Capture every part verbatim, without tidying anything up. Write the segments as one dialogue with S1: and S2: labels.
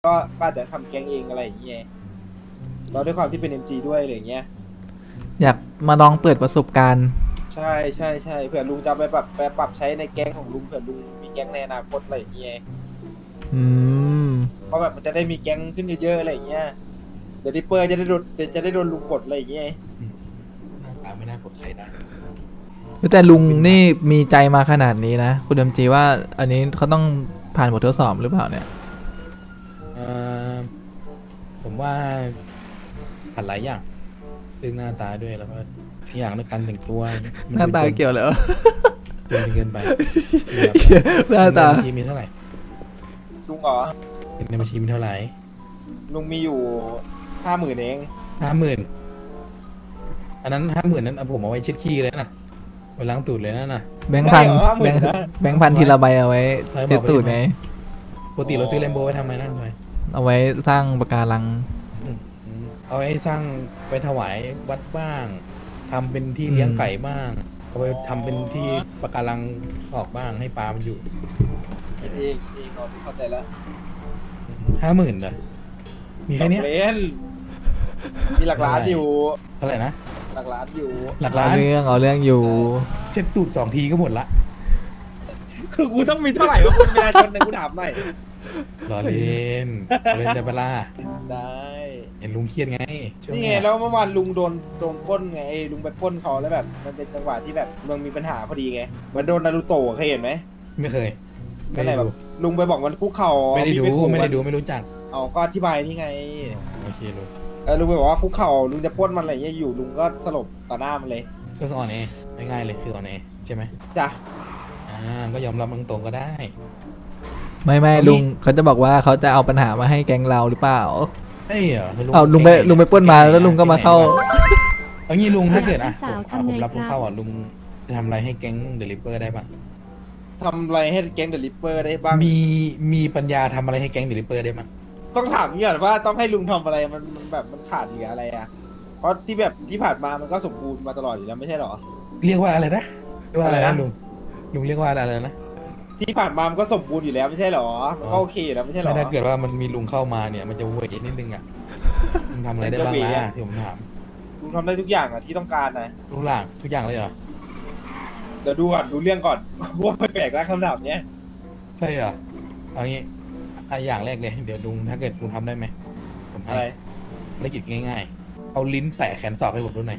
S1: ก็ก็อาจจะทำแก๊งเองอะไรอย่างเงี้ยเราด้วยความที่เป็น เอ็ม จี ด้วยอะไรอย่างเงี้ย
S2: อยากมาลองเปิดประสบการณ์
S1: ใช่ใช่ใช่เผื่อลุงจะไปปรับไปปรับใช้ในแก๊งของลุงเผื่อลุงมีแก๊งในอนาคตอะไรอย่างเงี้ย
S2: อืม
S1: เพราะแบบมันจะได้มีแก๊งขึ้นเยอะๆอะไรอย่างเงี้ยเดี๋ยวดิปเปอร์จะได้โดนเดี๋ยวจะได้โดนลุงกดอะไรอย่างเงี้ย
S3: หน้าตาไม่น่ากดใครได้
S2: แต่ลุงนี่มีใจมาขนาดนี้นะ คุณเดมจีว่าอันนี้เขาต้องผ่านบททดสอบหรือเปล่าเนี่ย
S3: เอ่อผมว่าผ่านหลายอย่างเรื่องหน้าตาด้วยแล้วก็อย่างในการแต่งตัวมั
S2: หน้าตาเกี่ยวเหรอ
S3: จนเกินไป
S2: หน้าตา
S3: ในบัญชีมีเท่าไหร่
S1: ลุงเหรอ
S3: ในบัญชีมีเท่าไหร่
S1: ลุงมีอยู่ห้าหมื่นเอง
S3: ห้าหมื่นอันนั้นห้าหมื่นนั้นเอาผมเอาไว้เช็ดขี้เลยนะไปล้างตูดเลยนะน่ะ
S2: แบงค์พัน
S1: ใช่เหรอห้าห
S2: แบ
S1: มื่
S2: ง
S1: น
S2: ค์
S1: นะ
S2: แบงค์พันทีละใบเอาไว้
S3: ใช่บอก
S2: เช็ดตูด
S3: ไป
S2: ไหม
S3: ดิ ปกติเราซื้อแลมโบไว้ทำไมนะทำไม
S2: เอาไว้สร้างปะการัง
S3: อืมเอาไว้สร้างไปถวายวัดบ้างทำเป็นที่เลี้ยงไก่บ้างเอาไปทำเป็นที่ปะการังออกบ้างให้ปลามันอยู่
S1: เองเองเองนอนเข้าใจแล้ว
S3: ห้าหมื่นเหรอมีแค่เนี้ย
S1: เล่นมีหลักล้านอยู่
S3: เท่าไหร่นะ
S1: หลักล้านอยู่
S3: หลัก
S2: เอา
S3: ล้าน
S2: เรื่องเอาเรื่องอยู่
S3: เช็ดตูดสองทีก็หมดละ
S1: คือกูต้องมีเท่าไหร่วะคุณประชาชนเนี่ยกูถามหน่อย
S3: รอเล่นรอเล่นได้ปะล่ะ
S1: ได้
S3: เห็นลุงเครียดไงช่วง
S1: นี่
S3: เนี้
S1: ไง
S3: ย
S1: แล้วเมื่อวานลุงโดนโดนปล้นไงไอ้ลุงไปปล้นเขาแล้วแบบ มันเป็นจังหวะที่แบบมันมีปัญหาพอดีไงเหมันโดนนารูโตะเคยเห็นไหม
S3: ไม่เคย ไม่
S1: นั่นแห
S3: ได้
S1: ละแบ
S3: ดู
S1: บลุงไปบอกมันคุกเข่า
S3: ไม่ได้ดู
S1: เอา
S3: ไม่ได้ดู
S1: น
S3: ไม่รู้จัก
S1: เอาก็อธิบายนี่ไง
S3: โอเคลุง
S1: เออลุงไปบอกว่าคุกเข่าลุงจะปล้นมันอะไรเงี้ยอยู่ลุงก็สลบต่อหน้ามันเลย
S3: ก็คืออ่อนเอง่ายๆเลยคืออ่อนเอใช่ไหม
S1: จ้ะ
S3: อ่าก็ยอมรับตรงๆก็ได้
S2: ไม่ไม่
S3: เอางี้
S2: ลุงเขาจะบอกว่าเขาจะเอาปัญหามาให้แก๊งเราหรือเปล่า
S3: เอ้ยเหรอ
S2: เอาลุงไปลุงไปปล้นมาแล้วลุงก็มาเข้า
S3: เอางี้ลุงถ้าเกิดอ่ะ
S4: สาว
S3: ผม
S4: ทำไง
S3: ผมรับลุง
S4: ครับ
S3: เข้าอ่ะลุงจะทำอะไรให้แก๊งเดลิเปอร์ได้บ้าง
S1: ทำอะไรให้แก๊งเดอะลิปเปอร์ได้บ้าง
S3: มีมีปัญญาทำอะไรให้แก๊งเดลิเปอร์ได้บ้าง
S1: ต้องถามนี่ก่อนว่าต้องให้ลุงทำอะไรมันมันแบบมันขาดเหลืออะไรอ่ะเพราะที่แบบที่ผ่านมามันก็สมบูรณ์มาตลอดอยู่แล้วไม่ใช่หรอ
S3: เรียกว่าอะไรนะเรียกว่าอะไร
S1: อะไร
S3: นะ
S1: นะ
S3: ลุงลุงเรียกว่าอะไรนะ
S1: ที่ผ่านมามันก็สมบูรณ์อยู่แล้วไม่ใช่หรอมันก็โอเคอยู่แล้วไม่ใช่หร
S3: ไม่
S1: อ
S3: ถ้าเกิดว่ามันมีลุงเข้ามาเนี่ยมันจะเวทนิดนึงอ่ะลุงทำอะไรได้บ้าง
S1: มันจะเว
S3: ล่ะ
S1: อะ
S3: ที่ผมถาม
S1: ลุงทำได้ทุกอย่างอ่ะที่ต้องการนะ
S3: ทุกอย่างทุกอย่างเลยเหรอ
S1: เดี๋ยวดูก่อนดูเรื่องก่อน ว่าแปลกๆแล้วคำถามเนี้ย
S3: ใช่เหรอเอางี้อ่ะอย่างแรกเลยเดี๋ยวลุงถ้าเกิดลุงทำได้ไหมผมให้
S1: อะไร
S3: ภารกิจง่ายๆ เอาลิ้นแตะแขนศอกให้ผมดูหน่อย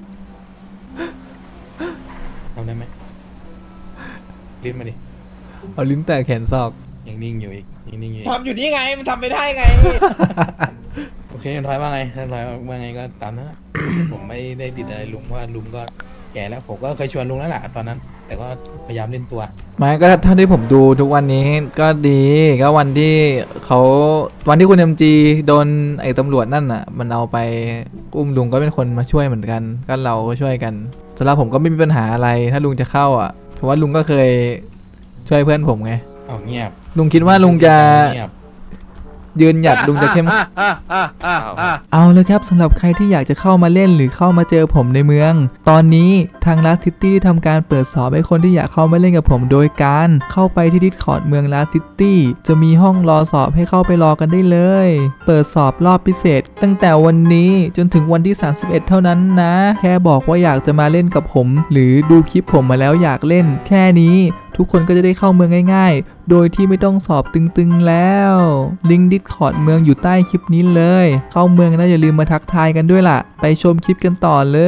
S3: ทำได้ไหมลิ้นมาดิ
S2: เอาลิ้นแตะแขนศอก
S3: ยังนิ่งอยู่อีกยังนิ่งอยู่อีก
S1: ทำอยู่นี่ไงมันทำไม่ได้ไง
S3: โอเคทอยว่าไงถ้าทอยว่าไงก็ตามนั้นนะ ผมไม่ได้ติดอะไรลุงว่าลุงก็แก่แล้ว ผมก็เคยชวนลุงแล้วแหละตอนนั้น แต่ก็พยายามเล่นตัว
S2: ไม่ก็เท่าที่ผมดูทุกวันนี้ก็ดีก็วันที่เขาวันที่คุณเอ็มจีโดนไอ้ตำรวจนั่นอ่ะ มันเอาไปอุ้มลุงก็เป็นคนมาช่วยเหมือนกัน ก็เราก็ช่วยกันสำหรับผมก็ไม่มีปัญหาอะไร ถ้าลุงจะเข้าอ่ะเพราะว่าลุงก็เคยช่วยเพื่อนผมไง
S3: เอาเงียบ
S2: ลุงคิดว่าลุงจะ
S3: เงียบ
S2: ยืนหยัดลุงจะเข้ม เอาเลยครับสำหรับใครที่อยากจะเข้ามาเล่นหรือเข้ามาเจอผมในเมือง ตอนนี้ทาง Last City ได้ทำการเปิดสอบให้คนที่อยากเข้ามาเล่นกับผมโดยการเข้าไปที่ Discord เมือง Last City จะมีห้องรอสอบให้เข้าไปรอกันได้เลย เปิดสอบรอบพิเศษ ตั้งแต่วันนี้จนถึงวันที่สามสิบเอ็ดเท่านั้นนะ แค่บอกว่าอยากจะมาเล่นกับผม หรือดูคลิปผมมาแล้วอยากเล่น แค่นี้ทุกคนก็จะได้เข้าเมืองง่ายๆ โดยที่ไม่ต้องสอบตึงๆแล้ว ลิงก์ Discord เมืองอยู่ใต้คลิปนี้เลย เข้าเมืองแล้วอย่าลืมมาทักทายกันด้วยล่ะ ไปชมคลิปกันต่อเลย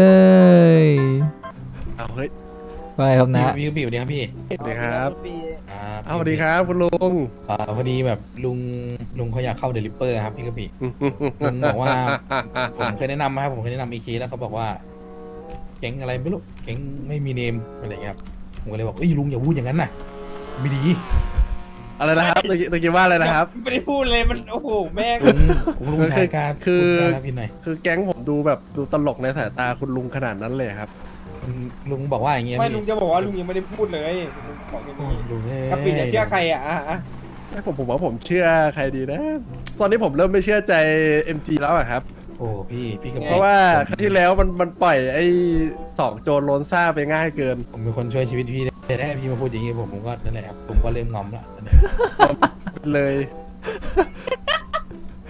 S5: เอาเฮ้ย
S2: ไปครับนะ
S3: วิวบิวเนี่ยครับพี่
S5: สวัสดีครับ
S3: อ่า
S5: เอาสวัสดีครับคุณลุง
S3: อ่าพอดีแบบลุงลุงเขาอยากเข้าเดลิเปอร์ครับพี่กระบี่ ลุงบอกว่า ผมเคยแนะนำมาครับผมเคยแนะนำอีกทีแล้วเขาบอกว่าเก่งอะไรไม่รู้เก่งไม่มีเนมอะไรเงี้ยครับผมก็เลยบอกเอ้ยลุงอย่าพูดอย่างนั้นนะไม่ดี
S5: อะไรนะครับตะกี้ตะกี้ว่าอะไรนะครับ
S1: ไม่ได้พูดเลยมันโอ้โหแม่ง
S3: ลุงผมลุงชายการ
S5: คือ
S3: พูดได้แล้วพี่หน่อย
S5: คือแก๊งผมดูแบบดูตลกในสายตาคุณลุงขนาดนั้นเลยครับ
S3: ลุงลุงบอกว่าอย่างเงี้ย
S1: ไม่
S3: พี่
S1: ลุงจะบอกว่าลุงยังไม่ได้พูดเลยลุงบอกอย่าง
S3: โอ้
S1: นี้
S3: ยลุงเอ้ย
S1: กะปิจะเชื่อใครอ่ะอ่ะอ่ะ
S5: ให้ผมผมว่าผมเชื่อใครดีนะ ตอนนี้ผมเริ่มไม่เชื่อใจ เอ็ม จี แล้วอะครับ
S3: โอ้พี่พี่กระบี่
S5: เพราะว่าครั้งที่แล้วมันมันปล่อยไอ้สองโจรโลนซ่าไปง่ายเกิน
S3: ผมเป็นคนช่วยชีวิตพี่แต่ถ้าพี่มาพูดอย่างงี้ผมผมก็นั่นแหละครับผมก็เริ่มงอมละตอนนี้
S5: เลย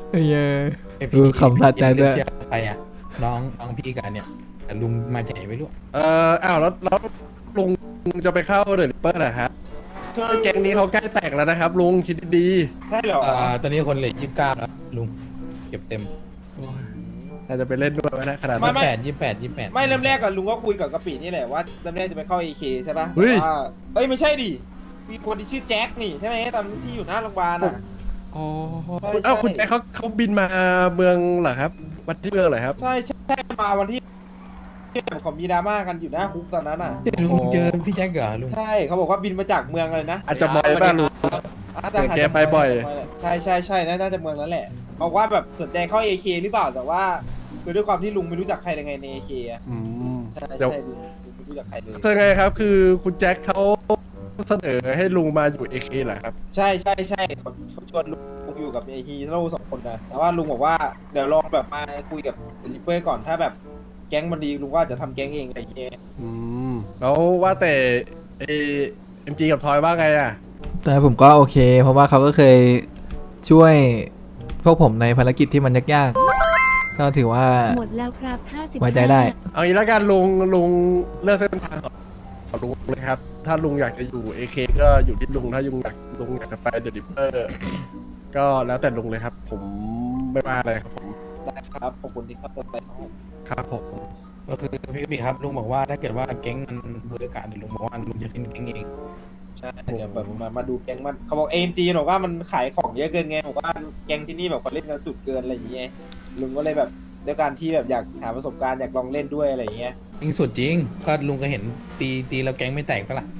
S2: ไอ้เหี้ย
S3: ไอ้
S2: เออขำสะใจด้วย
S3: เชื่อใครอ่ะน้องน้องพี่กันเนี่ยแต่ลุงมาจากไหนไม่รู้
S5: เอ่ออ้าวแล้วแล้วลุงจะไปเข้าเดอะริปเปอร์เหรอครับแก๊งนี้เขาใกล้แตกแล้วนะครับลุงคิดดี
S1: ใช่เหรอ
S3: อ่าตอนนี้คนเหลือยี่สิบเก้าแล้วลุงเก็บเต็ม
S5: ๆอาจจะไปเล่นด้วยไหมนะขนาด
S3: ยี่
S5: นั้น
S3: สิบแปดยี่สิบแปดยี่สิบแปด
S1: ไม่เริ่มแรกกับลุงก็คุยกับกะปินี่แหละว่าเริ่มแรกจะไปเข้าเอเคใช่ปะ
S5: เฮ้ย
S1: แต่ว่าเอ้ยไม่ใช่ดิมีคนที่ชื่อแจ็คนี่ใช่ไหมตอนที่อยู่หน้าโรงพยาบาลอ่ะ
S5: อ๋อ
S1: ใช่
S5: คุณอ้าว
S1: ใช่
S5: คุณแจ็คเขาเขาบินมาเมืองเหรอครับมาที่เมืองเหรอครับ
S1: ใช่ใช่ใช่มาวันที่ที่แบบเขามีดราม่ากันอยู่หน้าคุกตอนนั้นอ่ะ
S3: ลุงเจอพี่แจ็คเหรอลุง
S1: ใช่เขาบอกว่าบินมาจากเมืองอะไรนะ
S5: อาจจะบ่อยบ้างลุง
S1: อาจจะ
S5: เดี๋ยวแกไปบ่อย
S1: ใช่ใช่ใช่น่าจะเมืองนั้นแหละบอกว่าแบบสนใจเข้าเอเคหรือเปล่าแต่ว่าคือด้วยความที่ลุงไม่รู้จักใครยังไงในเอเคอ่ะ
S5: อืม
S1: ใช่
S5: เดี๋ยว
S1: ใช่ลุงลุงไม่รู้จักใครเลย
S5: คือไงครับ คือคุณแจ็คเขาเสนอให้ลุงมาอยู่เอเคเหรอครับ
S1: ใช่ใช่ใช่เขาเขาชวนลุงอยู่กับเอฮีโร่สองคนนะแต่ว่าลุงบอกว่าเดี๋ยวลองแบบมาคุยกับลิปเปอร์ก่อนถ้าแบบแก๊งมันดีลุงก็อาจจะทำแก๊งเองอะไรอย่างเงี้ย
S5: อืมแล้วว่าแต่เอ็มจีกับทอยว่าไงอ่ะ
S2: แต่ผมก็โอเค เพราะว่าเขาก็เคยช่วยพวกผมในภารกิจที่มันยากๆก็ถือว่า
S4: หมดแล้วครับห้าสิบ
S2: ไว้ใจได้
S5: เอางี้แล้วกันลุงลุงเลือกเส้นทางของลุงเลยครับ ถ้าลุงอยากจะอยู่ เอ เค ก็อยู่ที่ลุงถ้าลุงอยากลุงอยากจะไปเดอะริปเปอร์ก็แล้วแต่ลุงเลยครับ ผมไม่ว่าอะไรครับผม
S1: ได้ครับขอบคุณที่เข้าใจครับผม
S5: ครับผม
S3: ก็คือพี่บิ๊กครับลุงบอกว่าถ้าเกิดว่าแก๊งมันเบอร์การเดี๋ยวลุงบอกว่าลุงจะขึ้นแก๊งเอง
S1: ใช่เดี๋ยวแบบมามาดูแก๊งมันเขาบอกเอ็มจีบอกว่ามันขายของเยอะเกินไงบอกว่าแก๊งที่นี่แบบเขาเล่นกันสุดเกินอะไรอย่างเงี้ยลุงก็เลยแบบด้วยการที่แบบอยากหาประสบการณ์อยากลองเล่นด้วยอะไรอย่างเงี้ย
S3: จริงสุดจริงก็ลุงก็เห็นตีตีแล้วแก๊งไม่แตกก็ล่ะ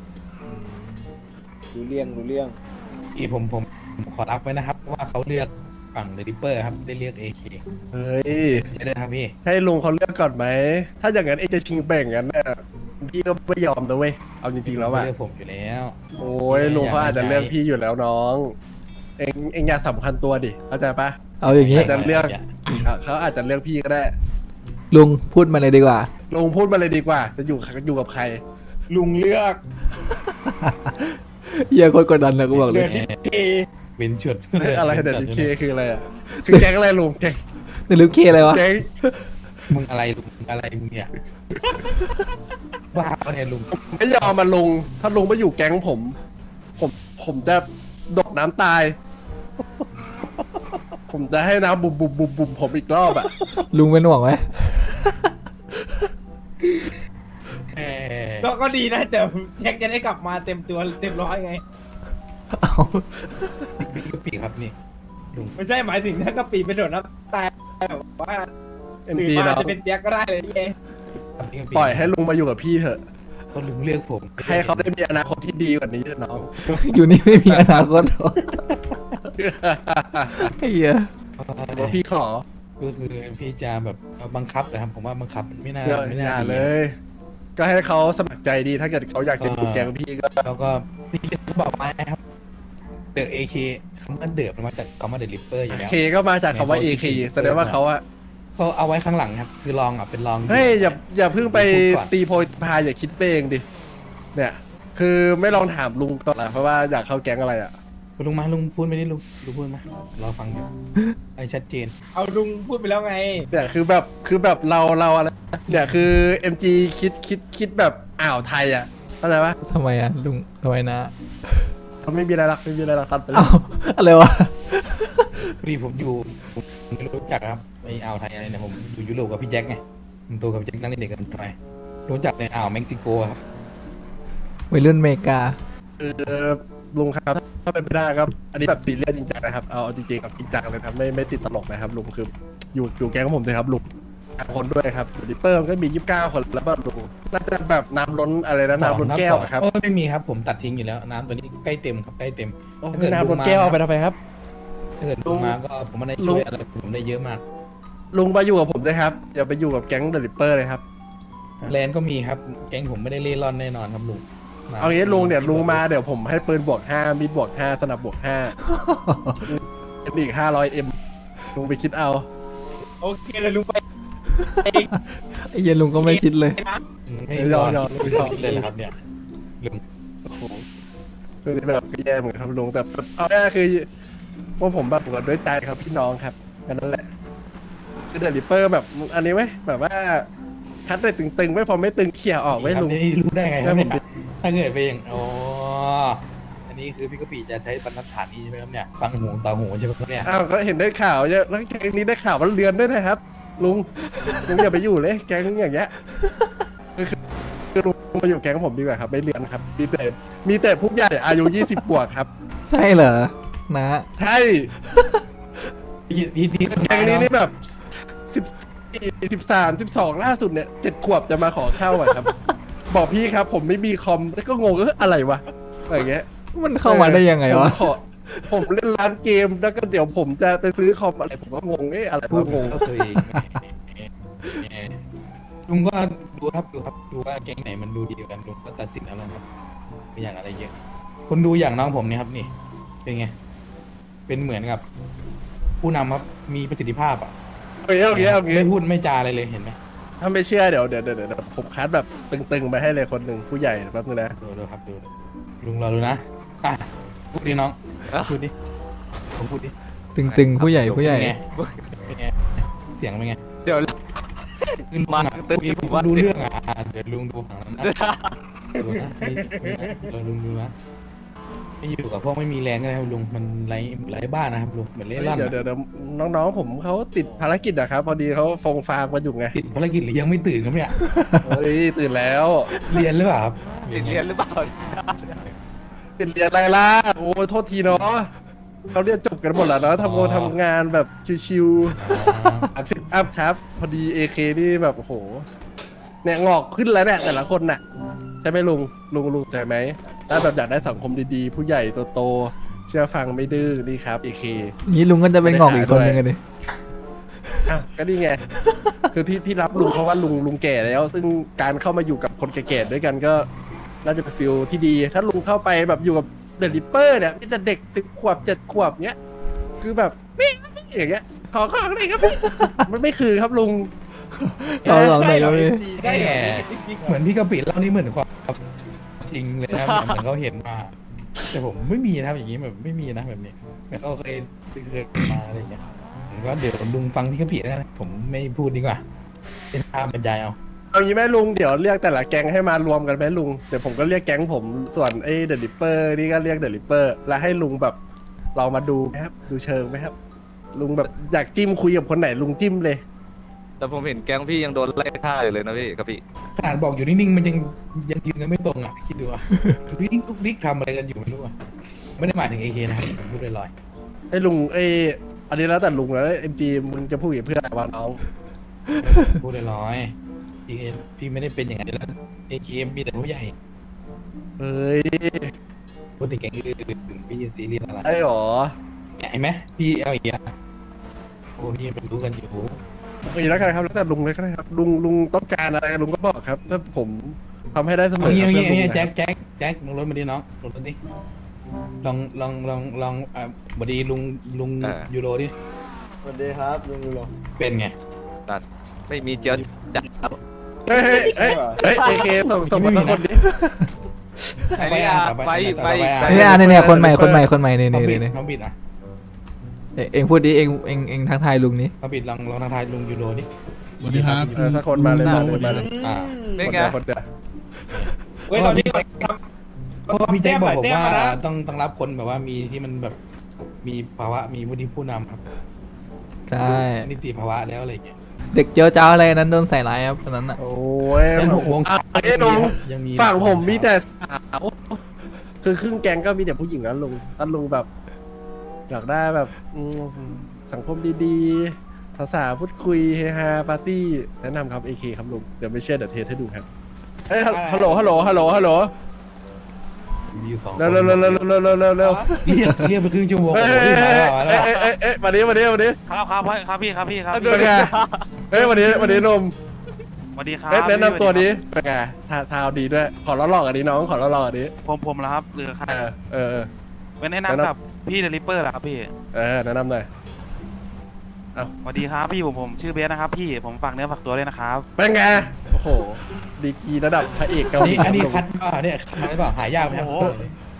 S1: รู้เรื่องรู้เรื่อง
S3: อีผมผมผมขอรับไว้นะครับว่าเขาเลือกฝั่งเดลิเปอร์ครับได้เลือกเอเค
S5: เฮ้ย
S3: ใช่ไหมครับพี่
S5: ให้ลุงเขาเลือกก่อนไหม ถ้าอย่างนั้นเองจะชิงแบ่งกันน่ะพี่ก็ไม่ยอมนะเว้ย เอาจริงๆแล้วอะ
S3: เลือกผมอยู่แล้ว
S5: โอ้ยลุงเขาอาจจะเลือกพี่อยู่แล้วน้อง เองเองอยากสำคัญตัวดิ เข้าใจปะ
S2: เอาอย่างนี้
S5: อาจจะเลือก อ่ะเขาอาจจะเลือกพี่ก็ได้
S2: ลุงพูดมาเลยดีกว่า
S5: ลุงพูดมาเลยดีกว่า จะอยู่อยู่กับใคร
S1: ลุงเลือก
S2: เหี้ยอะคนกดดันเลยกูบอกเล
S1: เลื
S2: ย
S1: อกที่เค
S3: เป็นชุด
S5: อะไรเดี๋ยวเคคืออะไรอ่ะ คือแก๊งอะไรลุงแก๊ง
S2: แต่ลืมเคอะไรวะ
S5: แก๊ง
S3: มึงอะไรลุงมึงอะไรมึงเนี่ยบ้าปะเนี่ยลุง
S5: ไม่ยอมมาลุง ถ้าลุงไม่อยู่แก๊งผม ผมผมจะดกน้ำตาย ผมจะให้น้ำบุบบุบบุบบุบผมอีกรอบอ่ะ
S2: ลุงเป็นห่วงไหม
S3: เอ่อ
S1: ก็ก็ดีนะแต่แจ็คจะได้กลับมาเต็มตัวเต็มร้อยไง
S2: เอา
S3: บิ๊กกะปิครับนี่ลุง
S1: ไม่ใช่หมายถึงถ้ากะปิเป็นโดดน้ำตายแบบว่า
S5: เอ็ม
S1: ตื่น
S5: จี
S1: มา
S5: เนาะ
S1: จะเป็นแจ็คก็ได้เลยไง
S3: ครับบิ๊กกะปิ
S5: ปล่อยให้ลุงมาอยู่กับพี่เถอะ
S3: ก็ลุงเลือกผม
S5: ให้เขาได้มีอนาคตที่ดีกว่านี้เถอะน้อง
S2: อยู่นี่ไม่มีอนาคตหรอกไอ้เหี้ย
S5: ว่าพี่ขอ
S3: ก็คือพี่จะแบบบังคับนะครับผมว่าบังคับมันไม่น่า
S5: อย่า
S3: ไม่
S5: อ
S3: น่า
S5: ย่า
S3: ดี
S5: เลย ก็ให้เขาสมัครใจดี ถ้าเกิดเขาอยากจะอยู่แก๊งพี่ก็
S3: แล้วก็พี่เขาบอกมาครับเดอะเอเคคำว่าเดือบมันมาจากคำว่าเดลิเปอร์อยู่แล้ว
S5: เคก็มาจากคำว่า เอ เค แสดงว่าเขาอะ
S3: เขาเอาไว้ข้างหลังครับ คือลองอ่ะเป็นลอง
S5: เฮ้ยอย่าอย่าเพิ่งไป
S3: พูดก่อน
S5: ตีโพยพายอย่าคิดไปเองดิ เนี่ย คือไม่ลองถามลุงก่อนละเพราะว่าอยากเข้าแก๊งอะไรอะ
S3: ลุงมาลุงพูดไปดิลุงลุงพูดมารอฟังอยู่ไอ้ชัดเจน
S1: เอาลุงพูดไปแล้วไง
S5: เนี่ยคือแบบคือแบบเราเราอะไรเนี่ยคือ เอ็ม จี คิดคิดคิดแบบอ่าวไทยอะเข้าใจปะ
S2: ทำไมอ่ะลุงทำไมนะ
S5: เขาไม่มีอะไรหรักไม่มีอะไรหรักตัดไปเล
S2: เอ้าย อะไรวะ
S3: พอดีผมอยู่ผมไม่รู้จักครับไอ้อ่าวไทยอะไรเนี่ยผมอยู่ยุโรปกับพี่แจ็คไงผมโตกับพี่แจ็คตั้งแต่เด็กกันไปรู้จักในอ่าวเม็กซิโกครับ
S2: วัยรุ่นอเมริกา
S5: เออลุงครับถ้าเป็นไปได้ครับ อันนี้แบบซีเรียสจริงจังนะครับเอาเอาจริงๆกับจริงจังเลยครับไม่ไม่ติดตลกนะครับลุงคืออยู่อยู่แก๊งของผมเลยครับลุงห้าคนด้วยครับดิปเปอร์มันก็มียี่สิบเก้าคนแล้วแบบลุงน่าจะแบบน้ำล้นอะไรนะน้ำล้นแก้วอะครับ
S3: โอ้ไม่มีครับผมตัดทิ้งอยู่แล้วน้ำตัวนี้ใกล้เต็มครับใกล้เต็ม
S5: โอ้ยน้ำล้นแก้วเอาไปทำไมครับ
S3: ถ้าเกิดลุงมาก็ผมไม่ได้ช่วยอะไรผมได้เยอะมาก
S5: ลุงมาอยู่กับผมเลยครับอย่าไปอยู่กับแก๊งเดลิปเปอร์เลยครับ
S3: แลนด์ก็มีครับแก๊งผมไม่ได้เล่ร่อนแน่นอนครับลุงม
S5: เอางี้ลุงเดี๋ยวลุงมาเดี๋ยวผมให้ปืนบวกห้ามีดบวกห้าสนับบวกห้าอีกห้าร้อยเอ็มลุงไปคิดเอา
S1: โอเคเลยลุงไป
S2: ไอ้เหี้ยลุงก็ไม่คิดเลย
S1: นะ
S3: ไม่
S5: ย
S3: ร
S5: อ
S3: อ
S5: ม
S3: ด
S5: ยอม
S3: ไม่รอดเลยนะครับเนี่ยลุง
S5: โอ้โหคือแบบก็แย่เหมือนกันครับลุงแต่แบบเอาแน่คือว่าผมแบบบวชด้วยใจครับพี่น้องครับแค่นั้นแหละคือเดลิเปอร์แบบอันนี้ไหมแบบว่าคัดเลยตึงๆไม่พอไม่ตึงเขี่ยออกไว้
S3: ครับ
S5: ลุง
S3: นี่รู้ได้ไงครับ
S5: แล้วผม
S3: เนี่ยถ้าเกิดไปอย่างอ๋ออันนี้คือพี่กะปิจะใช้บรรทัดฐานนี้ใช่ไหมครับเนี่ยฟังหูต่อหูใช่ไหมครับเนี่ย
S5: อ้าวก็เห็นได้ข่าวเยอะแล้วแก๊งนี้ได้ข่าวว่าเรือนด้วยนะครับ ลุงลุงอย่าไปอยู่เลยแก๊งอย่างเงี้ยคือคือลุงมาอยู่แก๊งผมดีกว่าครับไม่เรือนครับมีแต่มีแต่ผู้ใหญ่อายุยี่สิบบวกครับ
S2: ใช่เหรอนะ
S5: ใช่
S3: ที่ที่ที่
S5: แก๊งนี้นี่แบบสิบสิบสามสิบสองล่าสุดเนี่ยเจ็ดขวบจะมาขอเข้าอะครับ บอกพี่ครับ ผมไม่มีคอมแล้วก็งงเอออะไรวะอะไรเงี้ย
S2: มันเข้ามาได้ยังไงวะ
S5: ผมขอผมเล่นร้านเกมแล้วก็เดี๋ยวผมจะไปซื้อคอมอะไรผมก็งงเอ๊ะอะไร
S3: พูด
S5: วะงง
S3: เข้าตัวเองลุงก็ดูครับดูครับดูว่าแก๊งไหนมันดูดีกว่ากันลุงก็ตัดสินเอาแล้วครับไม่อย่างอะไรเยอะคนดูอย่างน้องผมเนี่ยครับนี่เป็นไงเป็นเหมือนกับ ผู้นำครับมีประสิทธิภาพอ่ะ
S5: โอเคโอเคโอเค
S3: ไม่พูดไม่จาอะไรเลยเห็นไหม
S5: ถ้าไม่เชื่อเดี๋ยวเดี๋ยวเดี๋ยวเดี๋ยวผมคัดแบบตึงๆไปให้เลยคนหนึ่งผู้ใหญ่แป๊บนึงนะ
S3: ดูดูครับดูดูลุงรอดูนะอ่ะพูดดิน้องพูดดิผมพูดดิ
S2: ตึงๆผู้ใหญ่ผู้ใหญ่
S3: เป็นไงเป็นไงเสียงเป็นไง
S4: เดี๋ยว
S3: คือลุงอะคุยผมดูเรื่องอ่ะอ่ะเดี๋ยวลุงดูฝั่งนั้นนะดูนะไม่ไม่นะเราลุงดูนะไม่อยู่กับพวกไม่มีแรงก็ได้ครับลุงมันไร้ไร้บ้านนะครับลุงเหมือนเล่ร่อน
S5: เดี๋ยว
S3: อะ
S5: เดี๋ยวเดี๋ยวน้องๆผมเขาติดภารกิจอะครับ พอดีเขาฟงฟางมาอยู่ไง
S3: ติดภารกิจหรือยังไม่ตื่นครับเนี่ย
S5: เฮ้ยตื่นแล้ว
S3: เรียนหรือเปล่าครับ
S4: ติดเรียนหรือเปล่า
S5: ติดเรียนอะไรล่ะโอ้โทษทีเนาะเขาเรียนจบกันหมดแล้วเนาะทำงานทำงานแบบชิวๆอัพสิบอัพครับ พอดีเอเคนี่แบบโอ้โหเนี่ยงอกขึ้นแล้วเนี่ยแต่ละคนน่ะใช่ไหมลุงลุงลุงใช่ไหมถ้าแบบอยากได้สังคมดีๆ ผู้ใหญ่โตๆเชื่อฟังไม่ดื้อนี่ครับเอเค
S2: นี้ลุงก็จะเป็นงอกอีกคนนึงกันดิ
S5: อ้าวก็นี่ไง คือที่ที่รับลุงเพราะว่าลุงลุงแก่แล้ว ซึ่งการเข้ามาอยู่กับคนแก่ๆด้วยกันก็น่าจะเป็นฟิลที่ดี ถ้าลุงเข้าไปแบบอยู่กับเดลิเปอร์เนี่ยมีแต่เด็กสิบขวบเจ็ดขวบเนี้ยคือแบบไม่ไม่อย่างเงี้ยขอของเลยครับพี่มันไม่คือครับลุง
S2: เราลองหน่อยก็มี
S1: ได้เหรอ
S3: เหมือนพี่กะปิเล่านี่เหมือนความจริงเลยนะครับเหมือนเขาเห็นมาแต่ผมไม่มีนะครับอย่างนี้แบบไม่มีนะแบบนี้เหมือนเขาเคยเคยมาอะไรอย่างเงี้ยผมก็เดี๋ยวลุงฟังพี่กะปิแล้วกันผมไม่พูดดีกว่าเป็นภาพบรรยายเอา
S5: เอางี้ไหมลุงเดี๋ยวเรียกแต่ละแก๊งให้มารวมกันไหมลุงเดี๋ยวผมก็เรียกแก๊งผมส่วนไอ้เดลิเปอร์นี่ก็เรียกเดลิเปอร์แล้วให้ลุงแบบเรามาดูไหมครับดูเชิงไหมครับลุงแบบอยากจิ้มคุยกับคนไหนลุงจิ้มเลย
S4: แต่ผมเห็นแก๊งพี่ยังโดนไล่ฆ่าอยู่เลยนะพี่กับพี่
S3: ขนาดบอกอยู่นิ่งๆมันยังยังยืนกันไม่ตรงอ่ะคิดดูอ่ะวิ่งทุกดิ๊กทำอะไรกันอยู่ไม่รู้อ่ะไม่ได้หมายถึงเอเคนะครับผมพูดลอย
S5: ไอ้ลุงไอ้อันนี้แล้วแต่ลุงแล้วเอ็มจีมึงจะพูดกับเพื่อนว่าน้อง
S3: ๆพูดลอยๆพี่พี่ไม่ได้เป็นอย่างนั้นแล้วเอเคมีแต่ผู้ใหญ่
S5: เฮ้ย
S3: พูดถึงแก๊งอื่นพี่จะซีเรียสอะไร
S5: ไอ้หรอ
S3: เห็นไหมพี่เอาอีกอ่ะโอ้พี่มันรู้กันอยู่
S5: เอ้ยแล้วกันครับแล้วแต่ลุงเลยก็ได้ครับลุงลุงต้องการอะไรลุงก็บอกครับ ถ้าผมทำให้ได้เสม
S3: เอา
S5: อ
S3: งี้
S5: ครับ
S3: เอางี้
S5: เพื่อนลุง
S3: เอางี้
S5: นะ
S3: แจ็คแจ็คแจ็คลงรถมาดิน้องลงรถดิลองลองลองลองอ่าบดีลุงลุงยูโรดิ
S6: สวัสดีครับลุงยูโร
S3: เป็นไง
S4: นั่นไม่มีเจียวจัดครับ
S5: เฮ้ยเฮ้ยเฮ้ยเฮ้ยเอเคส่งส่งมาสักคนดิ
S4: ไอ้นี่อ่ะไปไปไป
S2: เนี่ยอันนี้เนี่ยคนใหม่คนใหม่คนใหม่นี่
S3: น้อง
S2: นี่
S3: บิด
S2: นี่
S3: น้องบิดอ่ะ
S2: เอ้ยเองพูดดิเองเองเองทักทายลุงนี้
S3: น้องบิดลองลองทางทายลุงยูโรดิ
S5: สวัสดีครับเออสักคนมาเลยมาเลยมาเลย
S3: อ่า
S4: เป็นไง
S5: คนเดียว
S1: เว้ยตอนนี้ท
S3: เพราะว่าพี่แจ็คบอกผมว่า
S1: แต้มหน่อย
S3: ต้องต้องรับคนแบบว่ามีที่มันแบบมีภาวะมีวุฒิผู้นำครับ
S2: ใช่
S3: นิติภาวะแล้วอะไรอย่างเงี้ย
S2: เด็กเจ้าเจ้าอะไรนั้นโดนใส่ร้ายครับตอนนั้นอ่ะ
S5: โอ้ย
S3: ยันหกวง
S5: อ่ะเอ้ยลุง
S3: ยังมี
S5: ฝั่งผมมีแต่สาวคือครึ่งแกงก็มีแต่ผู้หญิงนะลุงถ้าลุงแบบ อยากได้แบบอืมสังคมดีๆภาษาพูดคุยเฮฮาปาร์ตี้แนะนำครับเอเคครับลุงเดี๋ยวไม่เชื่อเดี๋ยวเทสให้ดูครับเฮ้ยฮัลโหลฮัลโหลฮัลโหลฮัลโหล
S3: มีอยู่สองคน
S5: เร็วเร็วเร็วเร็วเร็วเร็วเร็วเร็ว
S3: เรียกเรียกไปครึ่งชั่วโมง
S5: เอ้
S3: โอ้
S5: ย
S3: โห
S5: เอ้ย
S3: พี่มาแล้ว
S5: เอ้ยเอ้ยเอ้ยมาดิมาดิมาดิ
S7: ครับครับครับพี่ครับพี่ครับ
S5: เป็นไงเฮ้ยวันนี้วันนี้นม
S7: สวัสดีครับ
S5: เอ้ยแนะนำตัวนี้
S7: พี่
S5: เป็นไงทาทาวดีด้วย ขอล้อหลอกอันนี้น้องขอล้อหลอกอันนี้
S7: ผมผมแล้วครับหรือใคร
S5: เออเออเออ
S7: เป็นแนะ
S5: แนะนำ
S7: นำกับพี่เดลิเปอร์เหรอครับพี่
S5: เออแนะนำหน่อย
S7: สวัสดีครับพี่ผมผมชื่อเบสนะครับพี่ผมฝากเนื้อฝากตัวด้วยนะครับ
S5: เป็นไงโอ้โหดีกรีระดับพระเอกเกาหลี
S3: นี่อันนี้
S5: ครับ
S3: คัดมาเนี่ยคัดมาหรือเปล่าหายากไหมครับ
S7: โอ้โห